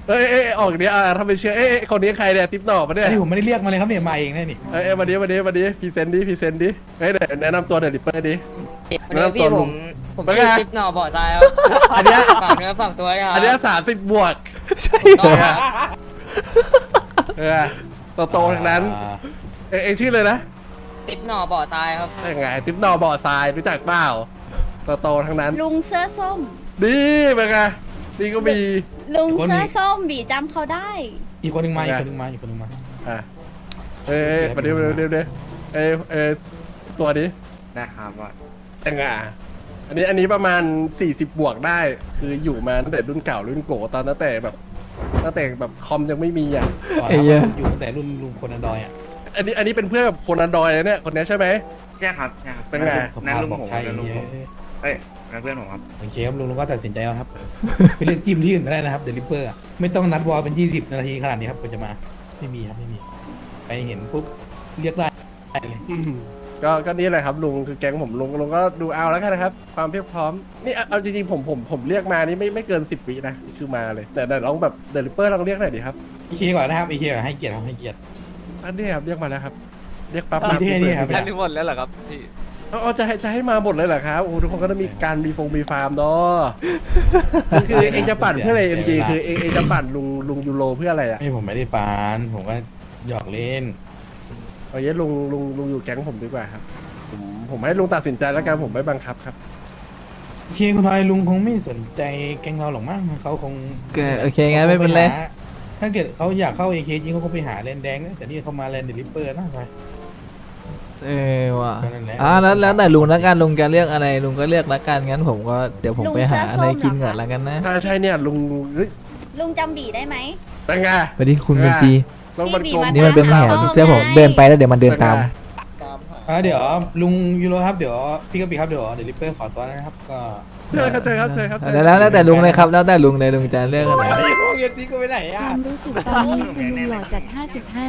S5: เอ้ยเอ้ยออกเนี้ยอ่ะทำเป็นเชื่อเอ้ยเอ้ยคนนี้ใครเนี่ยติ๊บหน่อปะเนี่ย
S3: อันนี้ผมไม่ได้เรียกมาเลยครับเนี่ยมาเองแน่นี่
S5: เอ้ยเอ้ยวันนี้วันนี้วันนี้พรีเซนต์ดิพรีเซนต์ดิเฮ้ยเดี๋ยวแนะนำตัวเดลิเปอร์ดิ
S8: วันนี้พี่ผมผม
S5: เป็น
S8: ชื่อ
S5: ไง
S8: จิ๊บหน่อบ่อตายครับ
S5: อันเนี้ย
S8: ฝากเนื้อฝากตัวด้วยครับ
S5: อันเนี้ยสามสิบบวก
S8: ต้องครับ
S5: เออโตโตๆทั้งนั้น
S3: อ่า
S5: เอ้ยเองชื่อเลยนะ
S8: จิ๊บหน่อบ่อตายครับ
S5: ยังไงติ๊บหน่อบ่อทรายรู้จักเปล่าโตโตๆทั้งนั้น
S9: ลุงเสื้อส้ม
S5: ดีเป็นไงนี่ก็มี
S9: ลุงเสื้อส้มบีจำเขาได้
S3: อีกคนหนึงมาอีกคนหนึงมาอีกคนหนึงมา
S5: อ่ะเอ้ยเอ้ยมาเดี๋ยวเดี๋ยวเดี๋ยวเดี๋ยวเอ้ยเอ้ยตัวนี้
S6: นะครับว่า
S5: ยังไงอันนี้อันนี้ประมาณสี่สิบบวกได้ คืออยู่มาตั้งแต่รุ่นเก่ารุ่นโกตอนตั้งแต่แบบตั้งแต่แบบคอมยังไม่มีอ่ะ
S3: ก่อน
S2: ไอ้
S3: นะ
S2: เหี้ย
S3: อยู่ตั้งแต่รุ่นลุงคนอันดอยอ่ะ
S5: อันนี้อันนี้เป็นเพื่อนกับคนอันดรอยเลยเนี่ยคนนี้ใช่ไหม
S6: ใช่ครับใช่ครับ
S5: เป็นไง
S3: ส
S6: นั่น
S3: ภาพ
S6: ลุง
S3: บอก
S6: ผม
S3: ใช่
S6: นั่นลุงผม
S3: เย้
S6: เอ้ยนั่นเพื่อนผมครับ
S3: โอเคครับลุงลุงก็ตัดสินใจแล้วครับ ไปเลือกจิ้มที่อื่นก็ได้นะครับเดลิเปอร์ไม่ต้องนัดวอลเป็นยี่สิบนาทีขนาดนี้ครับกว่าจะมาไม่มีครับไม่มีไปเห็นปุ๊บเรียกได้เลย
S5: อืมก็ก็นี่แหละครับลุงคือแก๊งผมลุงลุงก็ดูเอาแล้วกันนะครับ ความเพียบพร้อมนี่เอาเอาจริงๆผมผมผมเรียกมานี่ไม่ไม่เกินสิบวินะคือมาเลยแต่แต่ลองแบบเดลิเปอร์ลองเรียกหน่อยดิครับ
S3: อีเคก่อนนะครับอีเคก่อนให้เกียรติครับให้เกียรติ
S5: อันนี้ครับเรียกมาแล้วครับเรียกปั๊บ
S3: อ่ะ
S5: มา
S3: ที่ให้นี่ครับ
S4: ท่านที่หมดแล้วเหรอครับพี่
S5: เอาเอาจะให้จะให้มาหมดเลยเหรอครับโอ้ทุกคนก็ต้องมีการมีฟงมีฟาร์มเนาะคือคือเองจะปั่นเพื่ออะไรเอ็มจีคือเองเองจะปั่นลุงลุงยูโรเพื่ออะไรอ่ะ
S3: ไม่ผมไม่ได้ปานผมก็หยอกเล่น
S5: เอางี้ลุงลุงลุงอยู่แก๊งผมดีกว่าครับผมผมให้ลุงตัดสินใจแล้วกันผมไม่บังคับครับ
S3: โอเคคุณทอยลุงคงไม่สนใจแกงเราหรอกมั้งเขาคง
S2: ก็โอเคงั้นไม่เป็นไร
S3: ขาคงหาถ้าเกิดเขาอยากเข้าเอเคจริงเขาก็ไปหาแลนแดงนะแต่นี่เขามาแลนเดลิเปอร์นะไป
S2: เออว่ะ
S3: ก็นั่นแหละ
S2: อ่าแล้วแล้วแต่ลุงละกันลุงจะเลือกอะไรลุงก็เลือกละกันงั้นผมก็เดี๋ยวผมไปหาอะไรกินก่อนละกันนะ
S5: ถ้าใช่เนี่ยลุงเฮ้ย
S9: ลุงจำบีได้ไหม
S5: เป็นไง
S2: สวัสดีคุณเบนจี
S5: ต้องมันกลม
S2: นี่มันเป็นแผนเจ้าผมเดินไปแล้วเดี๋ยวมันเดินตาม
S1: ตามหา
S3: อ่าเดี๋ยวลุงยูโรครับเดี๋ยวพี่กะปิครับเดี๋ยวเดลิเปอร์ขอตัวนะครับก็
S5: เจอครับเจอครับเจอครับ
S2: แล้วแล้วแล้วแต่ลุงเลยครับแล้วแต่ลุงเลยลุงจะเลือกอะไร
S1: ไอ้พวกเอ็นจีก็ไปไหน
S9: ค
S1: อ่ะ
S9: วามรู้สึกตอนนี้คือลุงหล่อจัดห้าสิบห้า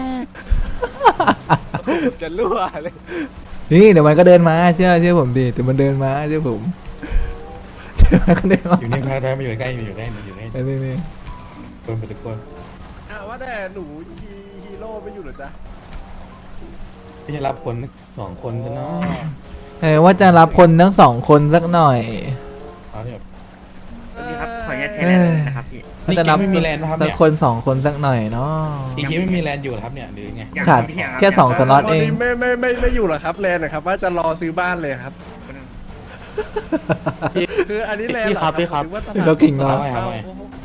S4: จะรั่วเลย
S2: นี่เดี๋ยวมันก็เดินมาเชื่อเชื่อผมดิเดี๋ยวมันเดินมาเชื่อผมเชื่อมันก็เดินมา
S3: อยู่นี่พาได้มาอยู่ใกล้มาอยู่ใกล้มาอยู่ใกล้
S2: นี่นี่
S3: คนไปทุกคน
S5: อ่ะว่าแต่หนูฮีฮีโร่ไม่อยู่เหรอจ๊ะ
S3: พี่จะรับคนสองคนซะเนาะ
S2: เออว่าจะรับคนทั้งสองคนสักหน่อย
S3: เอาเนี่ย
S6: สวัสดีครับขออนุญาตใช้แรงเลยนะครับพี่
S2: ว่าจะรับ
S3: ไม่มีแลนด์นะครับ
S2: สั
S3: เนี่
S2: ก
S3: ย
S2: คนสองคนสักหน่อยเนาะ
S3: อีกทีไม่มีแลนด์อยู่เหรอครับเนี่ยหรือไง
S2: ขาดแค่สองสล็อตเอง
S5: วันนี้ไม่ไม่ไม่ไม่อยู่เหรอครับแลนด์นะครับว่าจะรอซื้อบ้านเลยครับ คืออันนี้แลนด์เหรอครับพี่ครับ
S2: เรากิ่งเนาะ
S3: เอาไว้เอาไว้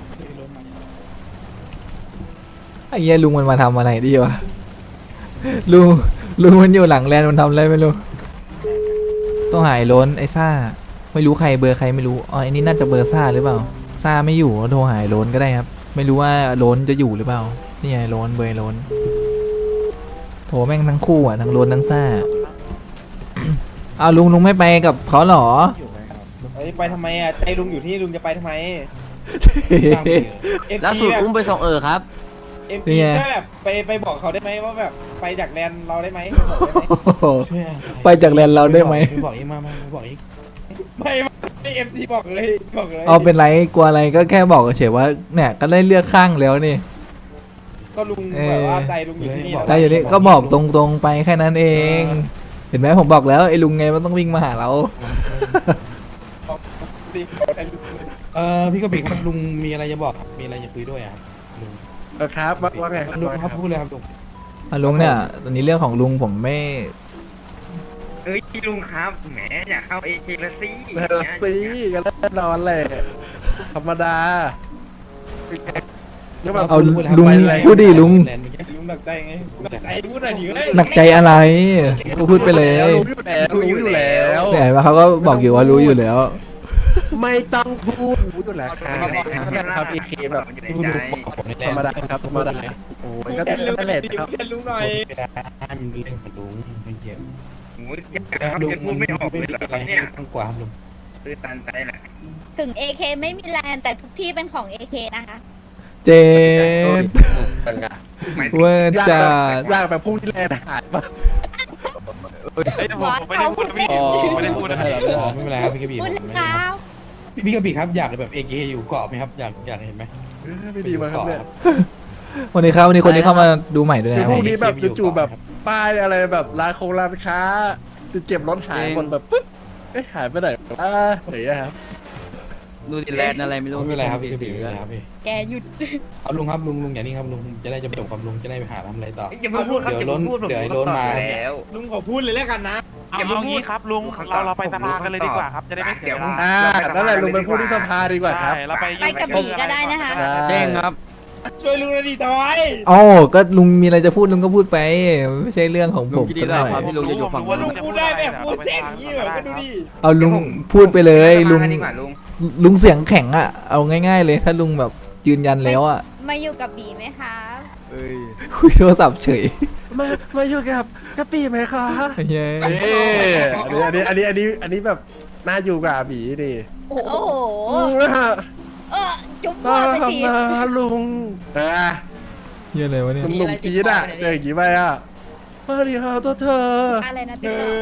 S2: ไอ้เหี้ยลุงมันมาทำอะไรดีวะลุงลุงมันอยู่หลังแลนด์มันทำอะไรไม่รู้ต้องหายล้นไอ้ซ่าไม่รู้ใครเบอร์ใครไม่รู้อ๋อไอ้นี่น่าจะเบอร์ซ่าหรือเปล่าซ่าไม่อยู่โทรหายล้นก็ได้ครับ ไม่รู้ว่าล้นจะอยู่หรือเปล่านี่ไงล้นเบอร์ล้นโทรแม่งทั้งคู่อ่ะทั้งล้นทั้งซ่า เอาลุงลุงไม่ไปกับเขาเหรอ
S1: เฮ้ยไปทำไมอ่ะใจลุงอยู่ที่ลุงจะไปทำไม
S3: บ้างไปเถอะ
S1: เอ็ม
S10: ล่า
S1: จี
S10: สุด
S1: แบบ
S10: อุ้มไปส่งเออครับ
S1: เอ็ม
S2: นี่
S1: จี
S2: ไง
S1: แค่แบบไปไปบอกเขาได้ไหมว่าแบบไปจากแลนด์เราได้ไหม
S3: ช่วยอะ
S2: ไปจากแลนด์เราได้ไหม
S3: ไม่บอกอีกมามาไม่บอกอีก
S1: ไม่ไม่เอ็มจีบอกเลยบอกเลย
S2: เอาเป็นไรกลัวอะไรก็แค่บอกเฉยๆว่าเนี่ยก็ได้เลือกข้างแล้วนี่
S1: ก็ลุงแบบว่าใจลุงอยู่ที่นี่
S2: ได้อยู่นี่ก็บอกตรงๆไปแค่นั้นเอง เห็นไหมผมบอกแล้วไอ้ลุงไงมันต้องวิ่งมาหาเรา
S3: เออพี่กะปิครับลุงมีอะไรจะบอกครับมีอะไรจะคุยด้วยอะครับลุง
S5: เออครับว่าว่าไงครับ
S3: ลุง
S5: ว่าไง
S3: ค
S5: ค
S3: รั
S5: รั
S3: บบ พูดเลยครับลุง
S2: อ่ะลุงเนี่ยตอนนี้เรื่องของลุงผมไม่
S6: เอ้ยลุงครับแหมอยากเข้าเอเคละซี่
S5: เออปีกันแน่นอนแหละธรรมดาก็แบบ
S2: เอาลุงพูดดิลุง
S3: แลนด์เมื่อกี้
S1: ลุงหนักใจไงหนักใจพูดหน่อยดิเฮ้ย
S2: หนักใจอะไรก็พูดไปเลย
S5: รู้อยู่แล้วรู้อยู่แล้ว
S2: เนี่ยเห็นไหมเขาก็บอกอยู่ว่ารู้อยู่แล้ว
S5: ไม่ต้องพูดรู้อยู่แล้วครับครับอีเคแบบ
S3: พูดดูบอกผมในแล
S5: ธร
S3: น
S5: รม
S3: ด์
S5: ดาครับธรรมดาโอ้ยก็
S1: เรียนลุง
S5: นั่น
S1: ห
S5: แห
S1: น่อ
S5: ละ
S1: ยดิ
S5: ครับ
S1: เรียนลุงหน่อย
S3: ให้มันเป็นเรื่องของลุงไม่เกี่ยว
S6: โอ้ยอยากครับ
S3: ลุง
S6: จะพูดไม่ออกเลยเหรอ
S3: อะไร
S6: ครับ
S3: ให้
S6: เนี่ย
S3: ต้องกว่าครับลุง
S6: ตื้อตันใจแหละ
S9: ถึง เอ เค ไม่มีแลนด์แต่ทุกที่เป็นของ เอ เค นะคะ
S2: เจน
S6: หมายถึง
S2: เวอร์
S5: ยาก
S2: จั
S5: แบบ
S2: ด
S5: ยากแบบพุ่งที่แรกหายปะ
S7: เฮ้ยผมผมไม่ได้พูดนะพี่
S5: อ๋อ
S7: ผมไม่ได้พูดนะพี่
S3: อ๋อไม่เป็นไรครับพี่กะปิ
S9: พูดเลย
S3: ผมไม่
S9: ครับ
S3: พี่พี่กะปิครับอยากแบบเอเอยู่เกาะไหมครับอยากอยากเห็นไหม
S5: ออไม่ดีมาครับเนี่ย
S2: วันนี้ครับวันนี้คนนี้เข้ามาดูใหม่ด้วย
S5: คือ
S2: นะ
S5: พวกนี้แบบจู่ๆแบบป้ายอะไรแบบร้านโคงร้านค้าจะเก็บรถหายคนแบบปึ๊บเอ๊ะหายไปไหนอ่าไหนอะครับ
S6: ดูดิแลนอะไรไม่รู้
S3: ไม่เป็นไรครับพี่พี่ไม่เป็นไรครับพี่
S9: แกหยุด
S3: เอาลุงครับลุงลุงอย่างนี้ครับลุงจะได้จะจบกับลุงจะได้ไปหาทำอะไรต่อ
S6: อย่ามาพูดครับ
S3: เดี๋ยวล้น
S6: อามาพูดผม
S3: เดี๋ยวไอ้ล้นมา
S6: ตอบแล้ว
S1: ลุงขอพูดเลยแล้วกันนะ
S7: เอา
S6: อย่ามา
S7: เอา
S6: พูด
S7: งี้ครับลุง
S6: ผม
S7: เราเราไป
S6: ผม
S7: สภากันเลยดีกว่าครับ จะได้ไม่เสียเวลา
S5: อ่านั่นแหละลุงไปพูดที่สภาดีกว่าครับ
S7: ใช่เราไป
S9: ไปกระบี่ก็ได้นะคะ
S5: เด้งครับ
S1: ช่วยลุงหน่อยดิทอย
S2: อ๋อก็ลุงมีอะไรจะพูดลุงก็พูดไปไม่ใช่เรื่องของผมสักหน่อย
S7: ลุงจะอยู่ฝั่ง
S1: ลุงพูดได้แบบพูดเจ๊งอย่างนี้เหรอก็ดูดิ
S2: เอาลุงพูดไปเลยลุง
S6: มาดีกว่าลุง
S2: ลุงเสียงแข็งอ่ะเอาง่ายๆเลยถ้าลุงแบบยืนยันแล้วอ่ะ
S9: มาอยู่กับบีไหมคะ
S2: คุยโทรศัพท์เฉย
S5: มามาอยู่กับกะปิไหมคะ
S2: เย้
S5: เอ๊อันนี้อันนี้อันนี้อันนี้อันนี้แบบน่าอยู่กับอาบีดิ
S9: โอ้โห
S5: นะฮะ
S9: เออจุ๊บ
S5: มา
S9: พ่อสักที
S5: มาลุงอ่า
S2: เหี้ยอะไรวะเนี่ย
S5: หนุ่มๆจี๊ดอ่ะเจออย่างนี้ไปอ่ะมาดิฮะตัวเธอ
S9: อะไรนะ
S1: คื
S9: ติ๊ก
S1: อ
S9: ต๊อก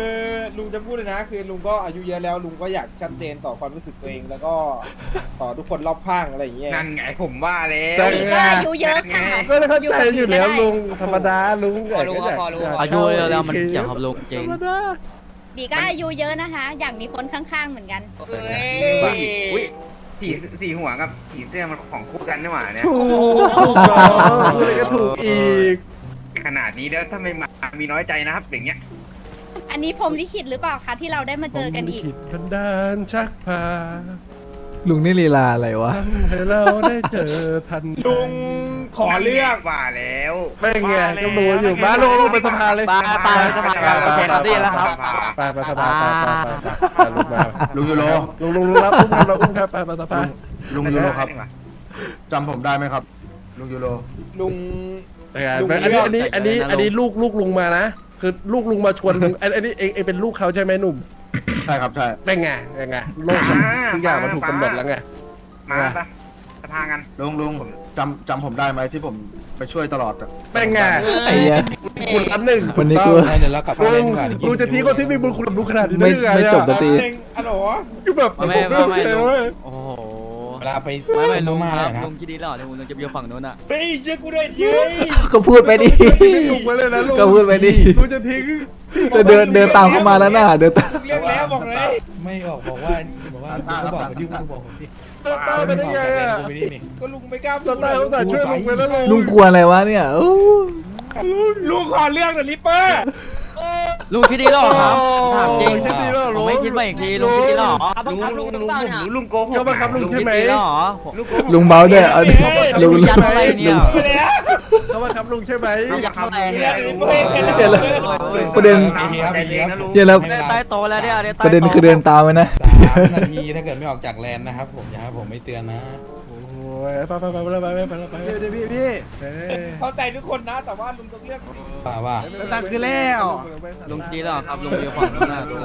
S1: ลุงจะพูดเลยนะ คือลุงก็อายุเยอะแล้วลุงก็อยากชัดเจนต่อความรู้สึกตัวเองแล้วก็ต่อทุกคนรอบข้างอะไรอย่างเงี้ย
S6: นั่นไงผมว่าแล้
S5: แต่
S6: ว
S9: บีก็อายุเยอะค่ะ
S5: ก็เลยเข้าใจอยู่แล้วลุงธรรมดาลุง
S8: พอรู้ครับพอรู้ครับ
S5: อายุแล้วมันเกี่ยวกับลุงจริง
S9: บีก็อายุเยอะนะคะ อยากมีคนข้างๆเหมือนกัน
S8: เอ้ย
S6: อุ้ยสีสีหัวกับสีเสื้อมันของคู่กันนี่หว่าเนี่ย
S5: ถูกถูกต้องพูดอะไรก็ถูกอีก
S6: ขนาดนี้แล้วถ้าไม่มามีน้อยใจนะครับอย่างเงี้ย
S9: อันนี้ผมลิขิตหรือเปล่าคะที่เราได้มาเจอกันอีก
S5: ผมลิขิตบันดาลชักพา
S2: ลุงนี่ลีลาอะไรวะ
S5: ทำให้เราได้เจอทัน
S1: ลุงขอเลือก
S6: ว่าแล้ว
S5: ไม่ไงก็รู้อยู่บ้านลงลงไปสภาเลย
S6: ไปไปสภากันโอเคครับดีแล้วครับ
S5: ไปไปสภาไปไปไปลุงมาลุงยูโรลุงลุงลุงรับอุ้มครับเราอุ้มครับไปไปสภา
S6: ลุงยูโรครับ
S5: จำผมได้ไหมครับลุงยูโร
S1: ลุง
S5: อันนี้อันนี้อันนี้อันนี้ลูกลูกลุงมานะคือลูกลุงมาชวนลุงอันนี้เองเองเป็นลูกเขาใช่ไหมหนุ่มใช่ครับใช่เป็นไงเป็นไงโลกทุกอย่างมันถูกกำหนดแล้วไง
S6: มาปะสภากัน
S5: ลุงลุงจำจำผมได้ไหมที่ผมไปช่วยตลอดเป็นไง
S2: ไอ้เหี้ย
S5: คุณอันหนึ่ง
S2: วันนี้กู
S3: เดี๋ยวเรากลับบ้าน
S5: ลุ
S3: เล่
S5: ง
S3: นดีกว่า
S5: ลุงจะทิ้งคนที่มีบุญคุณกับลุงขนาดนี้
S2: ไม่
S5: ได้ยังไง
S2: ไม่จบสักที
S1: หนึ่งอัลโหล
S5: คือแบบ
S6: ไม่ไม่ไม่ลุง
S5: โอ้
S3: เวลาไป
S6: ไม่ไม่ลุง
S3: มา
S6: ค
S3: เล
S6: รับ
S3: ยนะ
S6: ลุงคิดดีแล้วเดี๋ยวลุงจะไปอยู่ฝั่งนู้นอ่ะ
S1: เฮ้ยเชื่อกูด้วยเย้ย
S2: ก็พูดไปดิ
S5: ลุงไว้เลยนะลุง
S2: ก็พูดไปดิ
S5: ลุงจะทิ้ง
S2: เดินเดินตามเข้ามาแล้วน่ะเดินตาม
S1: เรียกแล้วบอกเลย
S3: ไม่บอกบอกว่าบอกว่าเขาบอกที่เขาบอกผมที่
S5: ตาตาไปได้ไงอ่ะ
S3: กูไม่ได้นี่
S1: ก็ลุงไม่กล้าพู
S5: ตา
S1: ด
S5: ตาเขาแต่ช่วยลุงไปแล้วลุง
S2: ลุงกลัวอะไรวะเนี่ยโอ้
S1: ลุงขอเลือกเดอะลิปเปอร์
S6: ลุงคิดดีแล้วครับถามจริง
S5: คิดดีแล้ว
S6: ผมไม่คิดมาอีกทีลุงคิดดีแล้ว
S8: ลุงลุงลุงลุง
S6: ลุงโกหก
S5: ก็บังคับลุงใช่ไหม
S6: ลุงโกหก
S2: ลุงเบาด้วยเอาดิลุง
S6: ยันอะไรเนี่ย
S1: ไปแล้ว
S5: เขาบังคับลุงใช่ไหม
S6: อยากทำอะไรเนี่ย
S2: เดี๋ยวแล้วประเด็น
S3: ไอ้เหี้ยครับไอ้เหี้ยครับ
S2: เดี๋ยวแล้ว
S6: ใต้โตแล้วเนี่ย
S2: ประเด็นคือเดินตามไปนะ
S3: สามนาทีถ้าเกิดไม่ออกจากแลนด์นะครับผมอย่าให้ผมไม่เตือนนะ
S5: โอ้ยไปไปไปไปไปไปไปไปเดี๋ยวพี่พี่
S1: เข้าใจทุกคนนะ แต่ว่าลุงต้องเลือก
S3: ป่าว่า
S5: ตั้งคือแล้ว
S6: ลุงคิดดีแล้วครับลุงอยู่ฝั่งนู้นนะลุง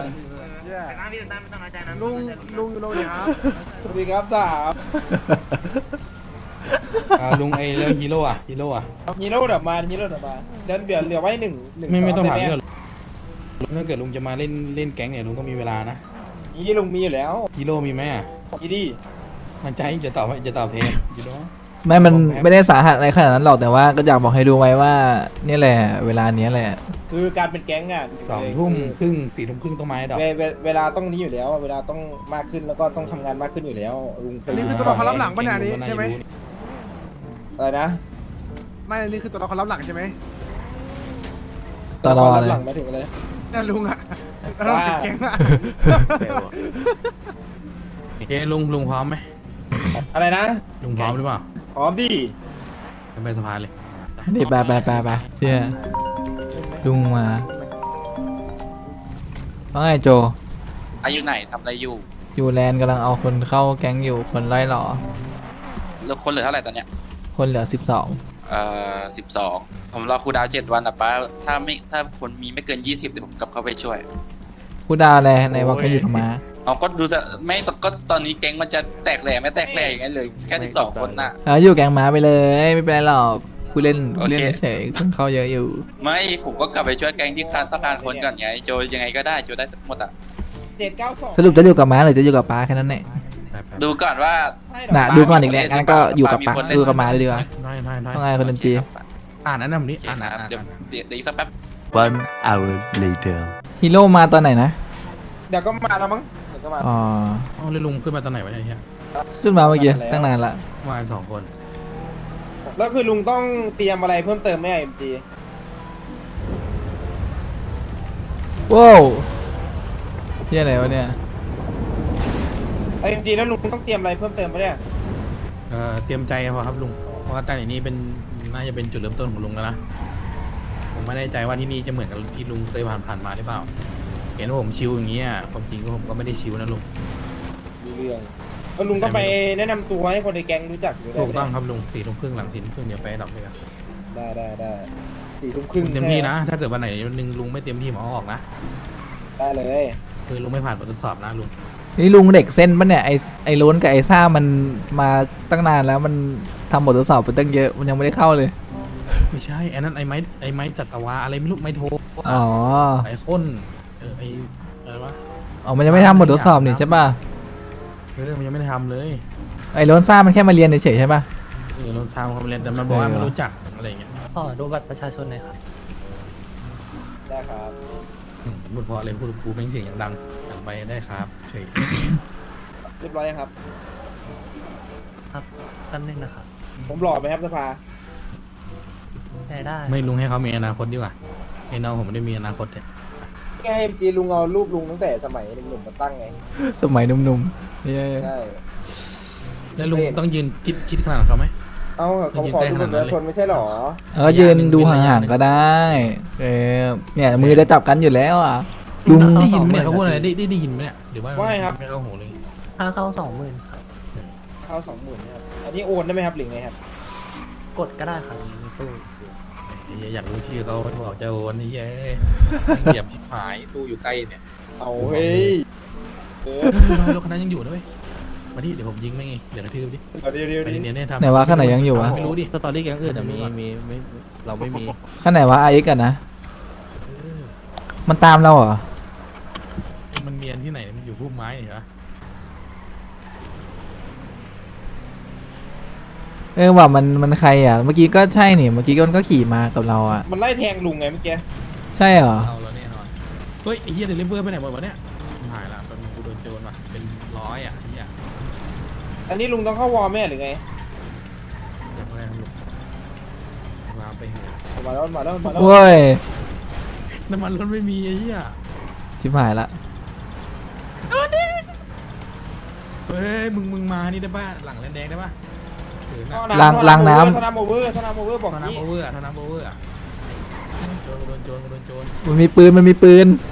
S5: ลุงลุงอยู่โรงเรียนครับ
S1: สวัสดีครับสาม
S3: อ่าลุงไอ้เรื่องฮีโร่อะฮีโร่อะ
S1: ฮีโร่เดี๋ยวมาฮีโร่เดี๋ยวมาเดี๋ยวเดี๋ยวเหลือไว้หนึ่งหนึ่ง
S3: ไม่ไม่ต้องถาม
S1: ได้
S3: เพื่
S1: ไห
S3: อนถ้าเกิดลุงจะมาเล่นเล่นแก๊งเนี่ยลุงก็มีเวลานะ
S1: นี่ลุงมีอยู่แล้ว
S3: ฮีโร่มีไหมอะ
S1: ยีดี
S3: มันใจจะตอบจะตอบแทนยูโร่
S2: ไม่มันไม่ได้สาหัสอะไรขนาดนั้นหรอกแต่ว่าก็อยากบอกให้ดูไว้ว่านี่แหละเวลาเนี้ยแหละ
S1: คือการเป็นแก๊งอ่ะ
S3: สองทุ่มครึ่งสี่ทุ่มครึ่งต้องมาให้ดอก
S1: เวเวเวลาต้องนี้อยู่แล้ว เวลาต้องมากขึ้นแล้วก็ต้องทำงานมากขึ้นอยู่แล้วลุงเคย
S5: นี่คือตัวละครรับหลังปะเนี่ยนี่ใช่ไหม
S1: อะไรนะ
S5: ไม่นี่คือตัวละครรับหลังใช่ไหม
S2: ตลอด
S1: รับ
S2: เลย
S1: หลังมาถึงอะไร
S5: เนี่ยลุงอ่ะ
S1: ว่า
S5: แก๊งอ่ะ
S3: โอเคลุงลุงพร้อมไหม
S1: อะไรนะ
S3: ลุงพร้อมหรือเปล่า
S1: พร้อมดิ
S3: ไปสะพานเลย
S2: นี่ไปไปไปไปเชี่ยลุงมาว่าไงโจ
S10: อายุไหนทำอะไรอยู่
S2: อยู่แลนด์กำลังเอาคนเข้าแก๊งอยู่คนไล่หล่อ
S10: แล้วคนเหลือเท่าไหร่ตอนเนี้ย
S2: คนเหลือสิบสอง
S10: เอ่อสิบสองผมรอครูดาวเจ็ดวันนะป้าถ้าไม่ถ้าคนมีไม่เกินยี่สิบเดี๋ยวผมกลับเข้าไปช่วย
S2: กูดาวแลในวักก็อยู่ทำไมา
S10: เอาก็ดูจะไม่ก็ตอนนี้แก๊งมันจะแตกแหล่ไม่แตกแหล่อย่างนั้นเลยแค่สิบสองคนน่ะ
S2: เอาอยู่แก๊งม้าไปเลยไม่เป็นไรหรอกกูเล่น
S10: โอ
S2: กู
S10: เค
S2: เล่นเฉยๆคนเข้าเยอะอยู่
S10: ไม่ผมก็กลับไปช่วยแก๊งที่ขาดต้องการคนก่อนไงโจยังไงก็ได้โจได้หมดอ่ะ
S1: เจ็ดเก้าสอง
S2: สรุปจะอยู่กับม้าหรือจะอยู่กับป้าแค่นั้นแหละ
S3: ไปไป
S10: ดูก่อนว่า
S2: น่ะดูก่อนอีกแล้วงั้นก็อยู่กับปะ
S10: มีคนเล่น
S2: ดูกับหมาเลยดีกว่า
S3: ได้ได้ได้
S2: ว่าไงคนดนตรี
S3: อ่านนั้นนะผมนี่
S10: โอเค
S3: อ่าน
S10: ค
S3: อ่าน
S10: รับ
S3: อ่าน
S10: เดี๋ยว
S3: อ่าน
S10: เดี๋ยวเดี๋ยวอีกสักแป๊บ
S11: One hour later.
S2: ฮีโร่มาตอนไหนนะ
S1: เดี๋ยวก็มาแล้วมั้งเดี๋ยวก็มา
S2: อ๋อ
S3: เอาเลยลุงขึ้นมาตอนไหนวะเนี่ยเฮีย
S2: ขึ้นมาเมื่อกี้ตั้งนานละ
S3: มากันสองคน
S1: แล้วคือลุงต้องเตรียมอะไรเพิ่มเติมไหมเอ็มจี
S2: ว้าวเฮียอะไรวะเนี่ย
S1: เอ็มจีแล้วลุงต้องเตรียมอะไรเพิ่มเติมไหมเนี่ย
S3: เอ่อเตรียมใจพอครับลุงเพราะว่าตั้งแต่นี้เป็นน่าจะเป็นจุดเริ่มต้นของลุงแล้วนะผมไม่แน่ใจว่าที่นี่จะเหมือนกับที่ลุงเคยผ่านผ่านมาหรือเปล่าเห็นว่าผมชิวอย่างเงี้ยความจริงก็ผมก็ไม่ได้ชิวนะลุง
S1: มีเรื่องแล้วลุงก็ไปแนะนำตัวให้คนในแก๊งรู้จักอยู่ได้
S3: ถูกต้องครับลุงสี่ทุ่มครึ่งหลังสี่ทุ่มครึ่งเดี๋ยวไปดับเลยครับ
S1: ได้ได้ได้สี่ทุ่มครึ่ง
S3: เต็มที่นะ ถ้าเกิดวันไหนวันหนึงลุงไม่เต็มที่หมอออกนะ
S1: ได้เลย
S3: คือลุงไม่ผ่านบททดสอบนะลุง
S2: นี่ลุงเด็กเส้นปะเนี่ยไอไอโล้นกับไอซ่ามันมาตั้งนานแล้วมันทำบททดสอบไปตั้งเยอะมันยังไม่ได้เข้าเลย
S3: ไม่ใช่ไอ้นั้นไอ้ไม้ไอ้ไม้จัตวาอะไรไม่รู้ไม้โท
S2: อ๋อ
S3: ไอ้ข้นเออไอ้อะไรวะ
S2: อ๋อมันยังไม่ทำบททดสอบนี่ใช่ป่ะ
S3: เออมันยังไม่ได้ทำเลย
S2: ไอโล้นซ่ามันแค่มาเรียนเฉยๆใช่ป่ะ
S3: เออเราทำความเรียนแต่มันบอกว่า
S2: เออ
S3: ไม่รู้จักอะไรอย่างเงี้ย
S8: ขอดูบัตรประชาชนหน่อยครับ
S1: ได้ครับ
S3: อืมพูดเพราะอะไรพูดกูเป็นเสียงอย่างดังดังไปได้ครับเฉย
S1: เรียบร้อยยังครับ
S8: ครับแป๊บนึงนะครับ
S1: ผมหล่อไหมครับสภา
S8: ได้ได้
S3: ไม่ลุงให้เขามีอนาคตดีกว่าไอ้น้องผมไม่ได้มีอนาคตเนี่ย
S1: ไงเอ็มจีลุงเอารูปลุงตั้งแต่สมัยหนุ่มๆมาตั้งไง
S2: สมัยหนุ่มๆเนี่ย
S1: ใช่
S3: แล้วลุงต้องยืนคิดคิดขนาดเขาไหม
S1: เอาเขาขอดูบัตรประชาชนไม่ใช่หรอ
S2: แล้วก็ยืนดูห่างๆก็ได้เออเนี่ยมือจะจับกันอยู่แล้วอ่ะ
S3: ลุ
S2: ลุ
S3: ง
S2: ง
S3: ได้ยินไหมเนี่ยเขาพูดอะไรได้ได้ได้ยินไหมเนี่ยหรือว่า
S1: ไม่ครับ
S3: ไม่เข้าหูเลย
S8: ค่าเข้าสองหมื่นครับ
S1: เข้าสองหมื่นครับอันนี้โอนได้ไหมครับหรือไงครับ
S8: กดก็ได้ครับในตู้
S3: ไอ้เหี้ยอยากรู้ชื่อเขาบอกจะโอนไอ้เหี้ยเหยียบชิบหายตู้อยู่ใกล้เนี่ย
S1: เอาเฮ้ยเออ
S3: รถคันนั้นยังอยู่นะเว้ยมาดิเดี๋ยวผมยิงไม่ไงเดี๋ยวกระทืบดิ
S1: เดี๋ยวเดี๋ยว
S3: ไป
S1: เดี๋ยว
S3: เนียนเนี่ยทำ
S2: ไหนวะข้างไหนยังอยู่วะ
S3: ไม่รู้ดิ
S4: สตอรี่แก๊งอื่นอะมีมีไม่เราไม่มี
S2: ข้างไหนวะไอเอ็กกันนะมันตามเราเหรอ
S3: มันเมียนที่ไหนมันอยู่พุ่มไม้เหรอ
S2: เออว่ามันมันใครอ่ะเมื่อกี้ก็ใช่นี่เมื่อกี้ก็มันก็ขี่มากับเราอ่ะ
S1: มันไล่แทงลุงไงเมื่อกี้
S2: ใช่เหรอ
S3: เอาแล้วแน่นอนเฮ้ยไอ้เหี้ยเดลิเวอร์ไปไหนหมดวะเนี่ยหายละเป็นกูโดนโจรว่ะเป็นร้อยอ่ะไอ้เหี้ย
S1: อันนี้ลุงต้องเข้าวอร์มแม่หรือไง
S3: เดี๋ยวแม่งลุกมาไปเหอะ
S1: มาแล้วมาแล้วมาแล้ว
S2: โว้ย
S3: น้ำมันรถไม่มีไอ้เหี้ย
S2: ชิบหายละ
S3: เฮ้ยมึงมึงมานี่ได้ป่ะหลังแลนแดงได้ป่ะถือหน้า
S2: ล้างล้างน้
S1: ธนาโมเวอร์ธนาโมเวอร์บอก
S3: ท่า
S1: นี้
S3: น้ำโอเวอร์ท่าน้ำโอเวอร์อะโจรกูโดนโจรกูโดนโจร
S2: ำมันมีปืนมันมีปืน
S3: เ